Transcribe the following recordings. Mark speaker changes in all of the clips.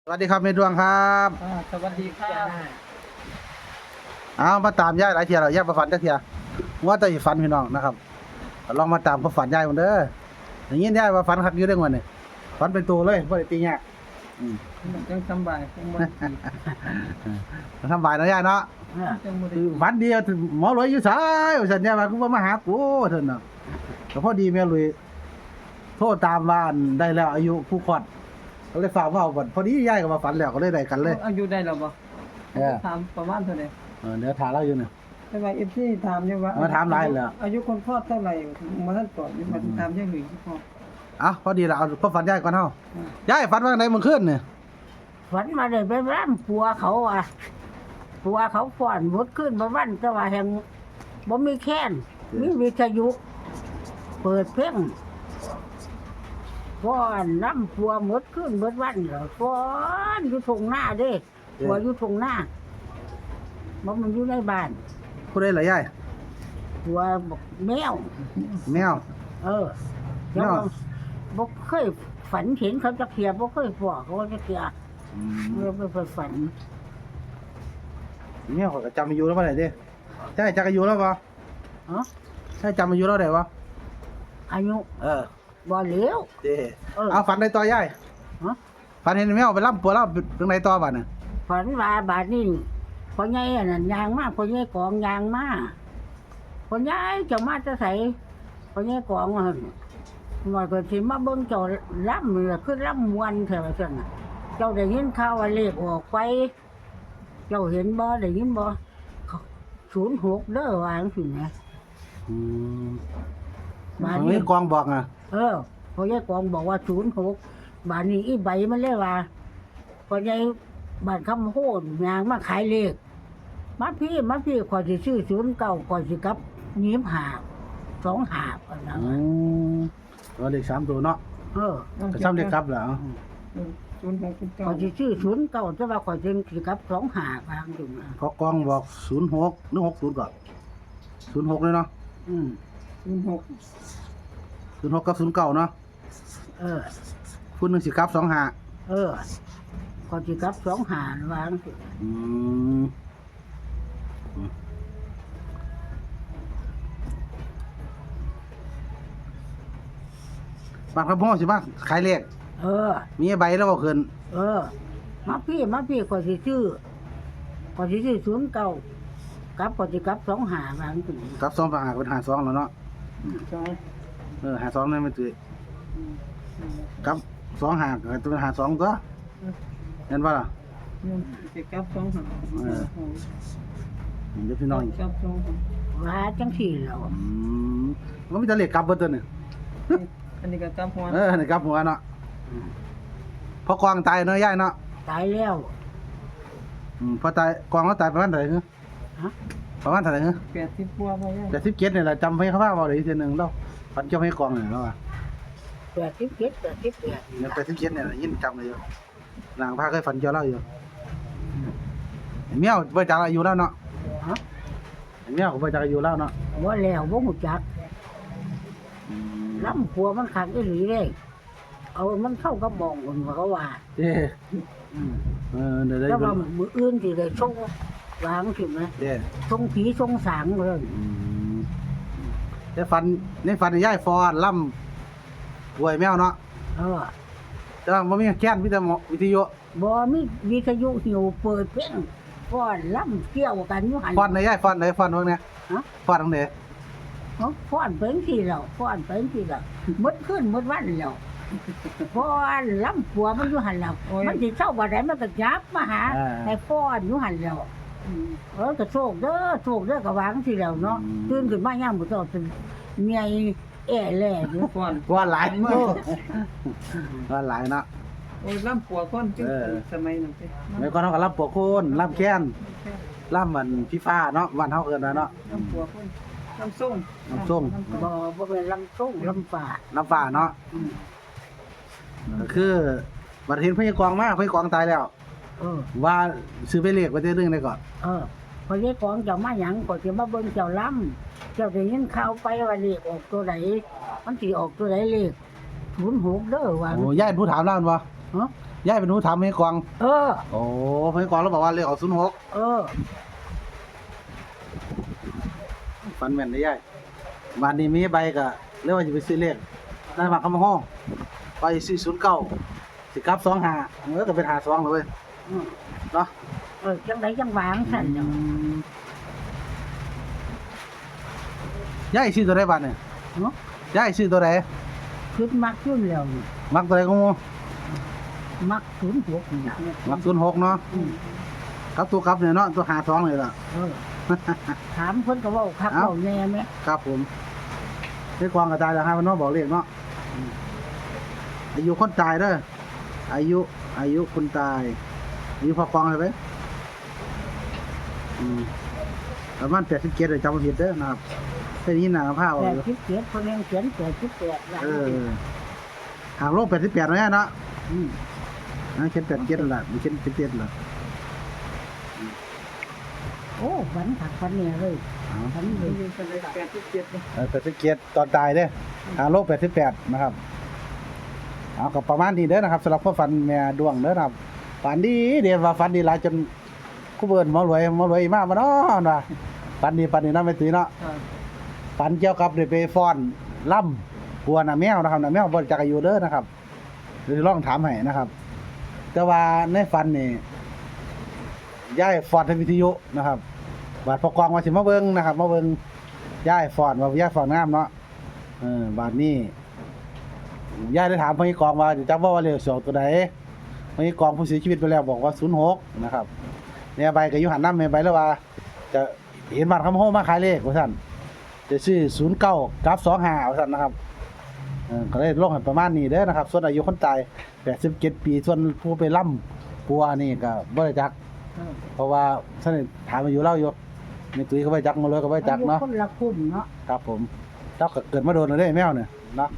Speaker 1: สวัสดีครับเมดวงครับ
Speaker 2: สวัสดีครับ
Speaker 1: เอามาตามย่ายหลายเทียแล้วย่ายประฝันจักเทียว่าแต่อีฝันพี่น้องนะครับลองมาตามประฝันย่ายมันเด้ออย่างนี้ย่ายว่าฝันคักอยู่เรื่องวันนี้ฝันเป็นตัวเลยบ่ได้ตียาก
Speaker 2: มันจังสบายคงบ่ดี
Speaker 1: ทำบายเนาะย่ายเนาะ
Speaker 2: จังบ่ได้
Speaker 1: คือฝันดีหมอรวยอยู่ไสว่าซั่นย่ายว่ากูบ่มาหากูเพิ่นน่ะก็พอดีแม่รวยโทรตามว่าอันได้แล้วอายุผู้คลอดก็เลยฝากว่าพอดีย่ายก็มาฝันแล้วก็เลยได้กันเลย
Speaker 2: อายุได้แล้วบ่
Speaker 1: เออ
Speaker 2: ถามประมาณเท่าใด
Speaker 1: เดี๋ยวถามเราอยู่เนี่ย
Speaker 2: แต่ว่า FC ถามอยู่ว่า
Speaker 1: มาถามหลายแล้ว
Speaker 2: อายุคนคลอดเท่าไหร่มาท่านตอบอยู่มาถามอย่างอื่นพอ
Speaker 1: อ่ะพอดีละเอาพอฝันย่ายก่อนเฮาย่ายฝันว่าไงเมื่อคืนเนี่ย
Speaker 3: ฝันมาเลยไปร่ำผัวเขาอ่ะผัวเขาฟ้อนหมดขึ้นมาวันแต่ว่าแห่งบ่มีแค้นมีวิทยุเปิดเพลงฟ้อนน้ำผัวหมดขึ้นหมดวันเหรอฟ้อนอยู่ทงหน้าเด้ผัวอยู่ทงหน้าบ่มันอยู่ในบ้าน
Speaker 1: ผู้ใดล่ะย่าย
Speaker 3: ผัวบอกแมว
Speaker 1: แมว
Speaker 3: เออ
Speaker 1: แมว
Speaker 3: บ่เคยฝันเห็นเขาจะเขียบ่เคยฟ้อเขาจะเขียเมื่อไปฝัน
Speaker 1: แมวก็จำอายุแล้วบ่ได้เด้ใช่จักอายุแล้วบ่
Speaker 3: ฮะ
Speaker 1: ใช่จำอายุแล้วได้บ่
Speaker 3: อายุ
Speaker 1: เออ
Speaker 3: บ่เหลียว
Speaker 1: เด้
Speaker 3: เออ
Speaker 1: เอาฝันได้ต่อย่าย
Speaker 3: ฮะ
Speaker 1: ฝันเห็นแมวไปล่ำปัวล่ำตรงไหนต่อบัดน่ะ
Speaker 3: ฝันว่าบาดนี้พ่อใหญ่อันนั้นยางมาพ่อใหญ่กองยางมาพ่อใหญ่เจะมาจะใส่พ่อใหญ่กองว่าหั่นว่าก็สิมาเบิ่งเจ้าล่ำนี่ล่ะคือล่ำมวนแท้ว่าซั่นน่ะเจ้าได้ยินข่าวว่าเลขออกไป เจ้าเห็นบ่ได้ยินบ่06เด้อว่าจังซี่นะ
Speaker 1: อืม
Speaker 3: บาด
Speaker 1: อัน
Speaker 3: นี้
Speaker 1: นี้กองบอกอ่ะ
Speaker 3: พ่อใหญ่กองบอกว่า06บาดนี้อีใบมันเลยว่าพ่อใหญ่บ้านคำโหดยางมาขายเลขมาพี่ขอยสิซื้อ09ขอยสิกลับ25 25อันนั้น
Speaker 1: อืมตัวเลข3ตัวเนาะ
Speaker 3: เออ
Speaker 1: ก็ซ้ำเลขครับแล้ว
Speaker 2: 06
Speaker 3: ขอยสิซื้อ09แต่ว่าขอยสิกลับ25บางอยู่นะ
Speaker 1: เพราะกองบอก06หรือ60ก่อน06เลยเนาะ
Speaker 3: อืม
Speaker 2: 06
Speaker 1: 06กับ09เนาะ
Speaker 3: เออ
Speaker 1: คุณนึงสิกลับ25
Speaker 3: เออขอยสิกลับ25วางสิ
Speaker 1: อืมบางครับพ่อสิมาขายเลข
Speaker 3: เออ
Speaker 1: มีใบแล้วบ่ขึ้น
Speaker 3: เออ มาพี่ขอยสิซื้อ09กลับขอยสิกลับ25วางสิ
Speaker 1: กลับ2ฝากเป็น52แล้วเนาะ 52นั่นมันสิกลับ2หากก็เป็น52ตัวเห็นบ่ล่ะ
Speaker 2: สิกลับ2หา
Speaker 1: เดี๋ยวพี่น้อง
Speaker 2: กลับ2หา
Speaker 3: ว่าจังซี่แล้ว
Speaker 1: มันมีแต่เลขกลับเบิดตัวนี่
Speaker 2: อันนี้ก็กลับหัว
Speaker 1: นี่กลับหัวเนาะพอกวางตายเนาะยายเนาะ
Speaker 3: ตายแล้ว
Speaker 1: พอตายกวางเขาตายประมาณเท่าไหร่
Speaker 3: ฮะ
Speaker 1: ประมาณเท่าไหร่
Speaker 2: 80กว่าบ่ยัง
Speaker 1: แต่17นี่แหละจำให้เขาว่าบ่ได้อีกทีนึงเราพันเจ้าให้กวางนี่เนาะ
Speaker 3: 87
Speaker 1: เนี่ย87นี่แหละยินจำเลยอยู่นางพาเคยฝันเจ้าเล่าอยู่เมียวบ่จักอายุแล้วเนาะ
Speaker 3: ฮะ
Speaker 1: เมียวก็บ่จักอายุแล้วเนาะ
Speaker 3: ว่าแล้วบ่ฮู้จักลำผัวมันขังอีหลีเด้เอามันเข้ากับหมองคนว่าเขาว่า
Speaker 1: เด้
Speaker 3: อืม
Speaker 1: เดี๋ยวได้
Speaker 3: แต่ว่ามื้ออื่นสิได้ส่งวางสิแม่
Speaker 1: เด้
Speaker 3: ส่งผีส่งสางเลย
Speaker 1: ได้ฝันในฝันยายฟอนล่ำป่วยแมวเนาะ
Speaker 3: เออ
Speaker 1: แต่ว่าบ่มีแค้นมีแต่หมอวิทยุ
Speaker 3: บ่มีวิทยุหิวเปิดเพลงฟ้อนลำเกี่ยวกันอยู่หั่น
Speaker 1: ฟอนไหนยายฟอนไหนฟอนเบิ่งเนี่ย
Speaker 3: ฮะ
Speaker 1: ฟอนตรงไหน
Speaker 3: ฟ้อนเป็นสิแล้วฟ้อนเป็นสิแล้วหมดคืนหมดวันแล้วฟ้อนลำผัวมันอยู่หั่นแล้วมันสิเช้าบ่ได้มันก็ยับมาหาให้ฟ้อนอยู่หั่นแล้ว ก็โชคเด้อก็วางสิแล้วเนาะตื่นขึ้นมายามมื้อเช้าเป็นเมียแอ่แล่อยู่
Speaker 2: ก่อน
Speaker 1: ฟอนหลายฟอนหลายเนาะ
Speaker 2: โอ้ยลำปัวคนจึงสมัยนั้นสิ
Speaker 1: แม่ก่อนเฮาก็รับปกโคนรับแค้นรับมันพี่ฟ้าเนาะวันเฮาเอิ้นว่าเนาะ
Speaker 2: ลำปัวคนลำส้ม
Speaker 1: น้ำส้ม
Speaker 3: บ่เป็นลำส้งลำป่า
Speaker 1: น้ำฟ้าเนาะก็คือบัดเห็นพญากองมาพญากองตายแล้ว
Speaker 3: เออ
Speaker 1: ว่าซื้อไปเลขไว้ได้เรื่องได้ก่อน
Speaker 3: พอเยของเจ้ามาหยังก็สิมาเบิ่งเจ้าลำเจ้าได้ยินข่าวไปว่าเลขออกตัวใดมันสิออกตัวใดเลข06เด้อว่า
Speaker 1: โอ้ยายผู้ถามแล้วบ่
Speaker 3: ฮะ
Speaker 1: ยายเป็นหนูถามให้กวาง
Speaker 3: เออ
Speaker 1: โอ้ให้กวางแล้วบอกว่าเลขออก06
Speaker 3: เออ
Speaker 1: ฝันแม่นได้ยายบ้านนี้มีใบก็เรียกว่าจะไปซื้อเลขได้มาคำห้องไปซื้อ09สิกลับ25ก็เป็น52เลยเว้ย
Speaker 3: อืม
Speaker 1: เนาะ
Speaker 3: จังไดจังหวางสั่นเนาะ
Speaker 1: ยายซื้อตัวใดบ้านเนี่ย
Speaker 3: เนาะ
Speaker 1: ยายซื้อตัวใด
Speaker 3: คิดมักยุ่นแล้วนี่
Speaker 1: มักตัวใดก็งู
Speaker 3: มัก06นี่นะ
Speaker 1: มัก06เนาะ
Speaker 3: อืม
Speaker 1: กับตัวกลับเนี่ยเนาะตัว52เลยล่ะ
Speaker 3: เออถามเพิ่นก็เว้าคัก
Speaker 1: เอ้า
Speaker 3: เว้าแน่แม่
Speaker 1: ครับผมให้กวางกระจายแล้วให้มันเนาะบอกเลขเนาะอายุคนตายเด้ออายุคนตายอายุพอกวางเลยไหมประมาณ87เลยจำไม่ผิดเด้อนะครับแค่นี้หนาผ้าเอาอยู่
Speaker 3: 87เพิ่นยังเขียน88แล้ว
Speaker 1: หางโลก88ไว้เนาะ
Speaker 3: อืม
Speaker 1: นะเขียน87ล่ะไม่เขียน77ล่ะ
Speaker 3: โอ้ฝันคักฝันเนี่ยเลยฝันเลย
Speaker 2: มีคนเลย87เลย
Speaker 1: 87ตอนตายเด้อหางโลก88นะครับเอาก็ประมาณนี้เด้อนะครับสำหรับพ่อฝันแม่ดวงเด้อนะครับฝันดีเดี๋ยวว่าฝันดีหลายจนกูเบิ่นหมอรวยมากมาเนาะว่าฝันดีเนาะไม่ตื่นเนาะ
Speaker 2: ครับ
Speaker 1: ฝันเกี่ยวกับได้ไปฟ้อนล่ำปัวน่ะแมวนะครับน่ะแมวบ่จักอายุเด้อนะครับเดี๋ยวลองถามให้นะครับ แต่ว่าในฝันนี่ย้ายฟ้อนทางวิทยุนะครับบาดพอกองว่าสิมาเบิ่งนะครับมาเบิ่งย้ายฟ้อนว่าย้ายฟ้อนงามเนาะบาดนี้ย้ายได้ถามพี่กองว่าจะจำว่าเลข2ตัวใดพี่กองผู้เสียชีวิตไปแล้วบอกว่า06นะครับเนี่ยใบก็อยู่หันนำแม่ใบแล้วว่า จะเห็นบัตรคำโฮมาขายเลขว่าซั่นจะซื้อ09กับ25ว่าซั่นนะครับก็เลยลงให้ประมาณนี้เด้อนะครับส่วนอายุคนตาย87ปีส่วนผู้ไปล่ำปัวนี่ก็บ่ได้จัก เพราะว่าท่านถามอายุเล่าอยู่มีตุ้ยก็บ่ได้จักมาเลยก็บ่ได้จักเนาะ
Speaker 3: อคนละคุ้มเนาะ
Speaker 1: ครับผมเจ้าก็เกิดมาโดนแล้วเด้แมวเนี่ยเนาะ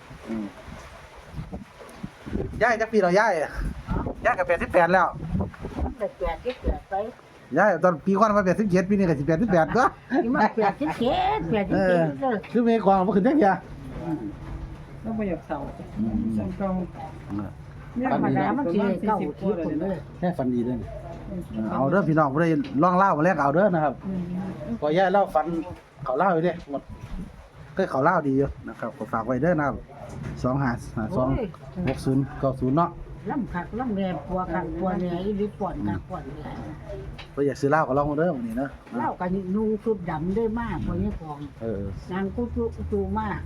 Speaker 1: ย้ายจักปีแล้วย้ายก็88แล้ว
Speaker 3: แต่88ไป
Speaker 1: ย้ายตอนปีก่อนมา87ปีนี้ก็สิ88ตัว
Speaker 3: ที่มา87
Speaker 1: คือเมฆกวางบ่ขึ้นจักเที่ย
Speaker 2: แล้วบ่อยากเศร้าสังเก่า
Speaker 3: ธรรมดามันสิได้เก้าที่คนเลย
Speaker 1: แค่ฝันดีเด้อเอาเด้อพี่น้องบ่ได้ล่องเล่ามาแลกเอาเด้อนะครับพอย้ายเล่าฝันเขาเล่าอยู่เด้หมดก็เขาเล่าดีอยู่นะครับก็ฝากไว้เด้อนะครับ25526090เนาะ
Speaker 3: ล่ำคักล่ำแรงปัวคักปัวเนี่ยอีหรือป่อนคักป่อนเนี่ย
Speaker 1: บ่อยากซื้อเหล้าก็ลองเด้อวันนี้เนาะ
Speaker 3: เล่ากันนูชุดดำได้มากพอนี้ของ นางกูจูมาก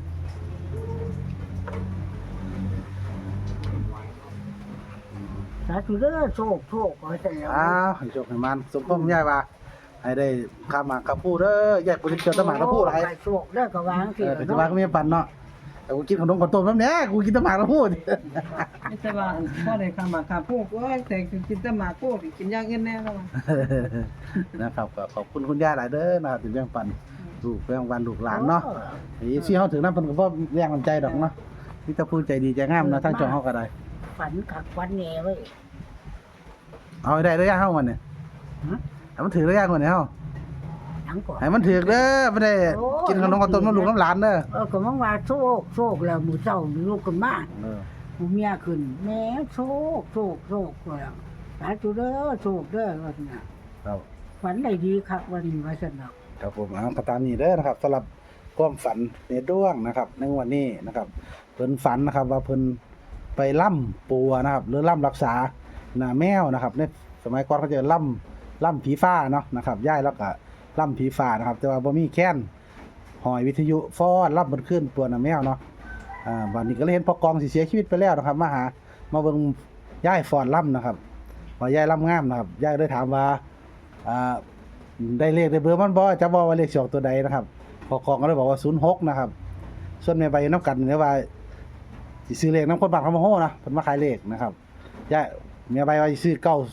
Speaker 3: สาธุเด้อโชคขอให้แต่แล้ว
Speaker 1: อ้าวให้โชคให้มันสมพงษ์ยายว่าให้ได้ข้ามหมากกับผู้เด้อยายบ่ได้เจอตะหมากกับผู้หลาย
Speaker 3: โชคเด้อก็วางสิ
Speaker 1: แต่ว่าก็มีปันเนาะแต่กูกินขนมข้าวต้มน้ำเนี้ยกูกินตะหมากกับผู้
Speaker 2: ไม่ใช่ว่าพ่อได้ข้ามาข้าพวกว่าแต่กินแต่หมากพวกกินอย่างอื่นแน่แล้ว
Speaker 1: นะครับก็ขอบคุณคุณย่าหลายเด้อนะครับที่แบ่งปันลูกแบ่งปันลูกหลานเนาะอีซี่เฮาถึงนั้นเพิ่นก็บ่แรงน้ำใจดอกเนาะมีแต่ผู้ใจดีใจงามเนาะทางช่องเฮาก็ได้
Speaker 3: ฝันคักฝันแหน่เว้ย
Speaker 1: เอาให้ได้เด้อย่าเฮามันเนี่ยให้มันถือเด้อย่าคนเนี่ยเฮา
Speaker 3: หยังก่อน
Speaker 1: ให้มันถือเด้อบ่ได้กินขนมข้าวต้มน้ำลูกน้ำหลานเด้อ
Speaker 3: ก็มังว่าโชคแล้วมื้อเช้าลูกกันมาผู้เมียขึ้นแม่โชคแล้วสาธุเด้อโชคเด้อว่าซั่นน่ะ
Speaker 1: ครับ
Speaker 3: ฝันได้ดีคักวันนี้ว่าซั่นน่ะ
Speaker 1: ครับผมก็ตามนี้เด้อนะครับสำหรับความฝันในด้วงนะครับในวันนี้นะครับเพิ่นฝันนะครับว่าเพิ่นไปล่ำปัวนะครับหรือล่ำรักษาหน้าแมวนะครับในสมัยก่อนเขาจะล่ำผีฟ้าเนาะนะครับย้ายแล้วก็ล่ำผีฟ้านะครับแต่ว่าบ่มีแค้นหอยวิทยุฟ้อนล่ำบนขึ้นปัวหน้าแมวเนาะวันนี้ก็เลยเห็นพ่อกองสิเสียชีวิตไปแล้วนะครับมาเบิ่งย้ายฟ้อนล่ำนะครับว่าย้ายล่ำงามนะครับย้ายได้ถามว่าได้เลขได้เบอร์มันบ่จะบอกว่าเลข2ตัวใดนะครับพอกองก็เลยบอกว่า06นะครับส่วนแม่ใบน้ำกันเนี่ยว่าสิซื้อเลขน้ำคนบ้านเขามาโหนะเพิ่นมาขายเลขนะครับย่าแม่ใบว่าสิซื้อ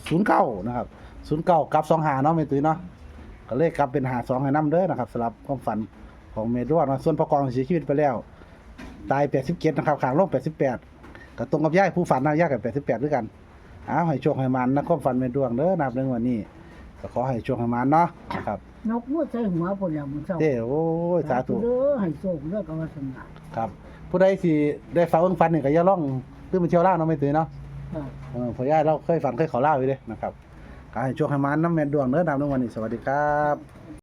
Speaker 1: 909นะครับ09กับ25เนาะแม่ตุ้ยเนาะก็เลขกลับเป็น52ให้นำเด้อนะครับสำหรับความฝันของแม่ดวงนะส่วนพอกองเสียชีวิตไปแล้วตาย87นะครับข้างลง88ก็ตรงกับย่าผู้ฝันนะย่ากับ88ด้วยกันอ้าวให้โชคให้มันนะความฝันแม่ดวงเด้อนะครับในวันนี้ก็ขอให้โชคให้มันเนาะนะครับ
Speaker 3: นกมือใส่หัวพุ่นแล้วมื้อเช้า
Speaker 1: โอ้ยสาธุ
Speaker 3: เด้อให้โชคเด้อก็ว่าซั่นน่ะ
Speaker 1: ครับผู้ใดสิได้ฝากเบิ่งฝันนี่ก็อย่าล่องคือมันเที่ยวล่างเนาะไม่ตื่นเนาะพ่อย่าเราเคยฝันเคยขอเล่าอยู่เด้นะครับก็ให้โชคให้มันน้ำแม่ดวงเด้อนำในวันนี้สวัสดีครับ